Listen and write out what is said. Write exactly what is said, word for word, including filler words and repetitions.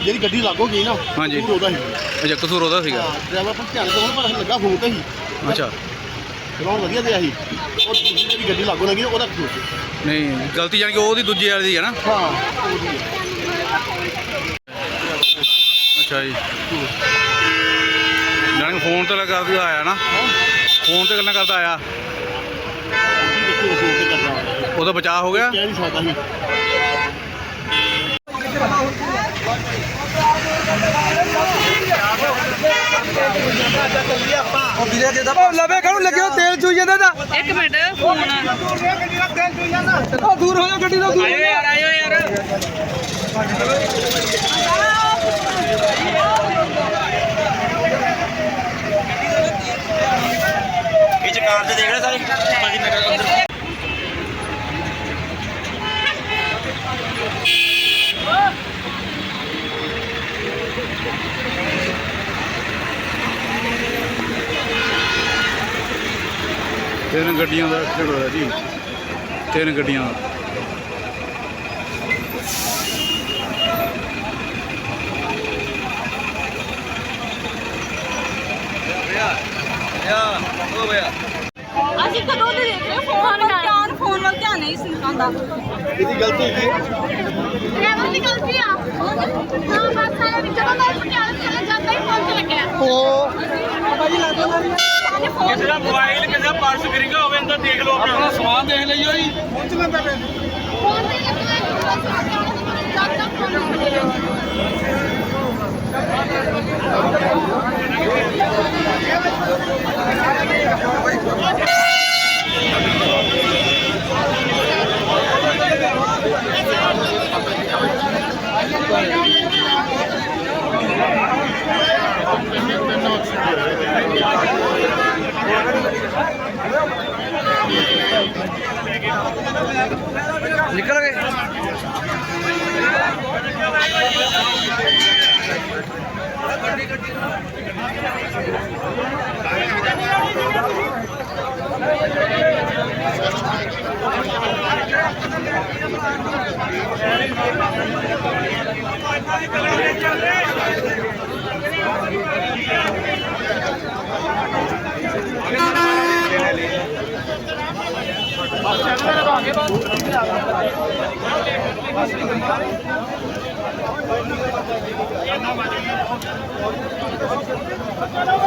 ਜਿਹੜੀ ਗੱਡੀ ਲਾਗੋ ਗਈ ਨਾ ਹਾਂਜੀ ਉਹਦਾ ਸੀ। ਅੱਛਾ ਕਸੂਰ ਉਹਦਾ ਸੀਗਾ। ਡਰਾਈਵਰ ਪਰ ਧਿਆਨ ਕੋਲ ਪਰ ਲੱਗਾ ਫੋਨ ਤੇ ਸੀ। ਅੱਛਾ ਚਲਾਉਣ ਵਧੀਆ ਦਿਆ ਸੀ। ਉਹ ਦੂਜੀ ਜਿਹੜੀ ਗੱਡੀ ਲਾਗੋ ਨਾ ਗਈ ਉਹਦਾ ਕਸੂਰ ਸੀ। ਨਹੀਂ ਗਲਤੀ ਜਾਣੀ ਕਿ ਉਹਦੀ ਦੂਜੀ ਵਾਲੀ ਦੀ ਹੈ ਨਾ। ਹਾਂ ਅੱਛਾ ਜੀ ਜਾਣੀ ਕਿ ਫੋਨ ਤੇ ਲਗਾ ਕੇ ਆਇਆ ਨਾ। ਫੋਨ ਤੇ ਗੱਲਾਂ ਕਰਦਾ ਆਇਆ ਉਹਦਾ ਬਚਾਅ ਹੋ ਗਿਆ। ਕਹਿ ਨਹੀਂ ਸਕਦਾ ਸੀ। ਲਵੇ ਕਾਹਨੂੰ ਲੱਗਿਆ ਤੇਲ ਚੂਈ ਜਾਂਦਾ ਦਾ। ਇੱਕ ਮਿੰਟ ਫੋਨ ਉਹ ਦੂਰ ਹੋ ਜਾ ਗੱਡੀ ਤੋਂ ਦੂਰ। ਆਇਓ ਯਾਰ ਆਇਓ ਯਾਰ ਇਹ ਚ ਕਾਰ ਤੇ ਦੇਖ ਰਹੇ ਸਾਰੇ ਭਾਜੀ ਮੇਰੇ ਅੰਦਰ ਤਿੰਨ ਗੱਡੀਆਂ ਦਾ ਐਕਸੀਡੈਂਟ ਹੋਇਆ ਜੀ। ਤਿੰਨ ਗੱਡੀਆਂ ਦਾ। ਅਸੀਂ ਕਦੋਂ ਦੇ ਦੇਖ ਰਹੇ ਫੋਨ ਵੱਲ ਧਿਆਨ ਫੋਨ ਵੱਲ ਧਿਆਨ ਨਹੀਂ ਸੀ ਆਉਂਦਾ। ਇਹਦੀ ਗਲਤੀ ਹੈਗੀ। ਡਰਾਈਵਰ ਦੀ ਗਲਤੀ ਆ। ਹਾਂ ਬੱਸ ਵਾਲਾ ਵਿੱਚ ਜਦੋਂ ਮੈਂ ਪਟਿਆਲੇ ਚਲੇ ਜਾਂਦਾ ਹੀ ਫੋਨ ਤੇ ਲੱਗਿਆ। ਉਹ ਭਾਜੀ ਲੱਗਦਾ ਸਾਡੇ ਫੋਨ ਕਿਸੇ ਦਾ ਮੋਬਾਈਲ ਕਿਸੇ ਦਾ ਪਰਸ ਗਿਰਿਆ ਹੋਵੇ ਅੰਦਰ ਦੇਖ ਲਓ ਆਪਣਾ ਸਮਾਨ ਦੇਖ ਲਈਓ ਜੀ। ਪਹੁੰਚ ਲੈਂਦਾ ਪੈ ਫੋਨ ਤੇ ਲੱਗਿਆ ਜਦ ਤੱਕ ਫੋਨ ਨਹੀਂ ਨਿਕਲ ਗਏ। ਆਉਂਦਾ।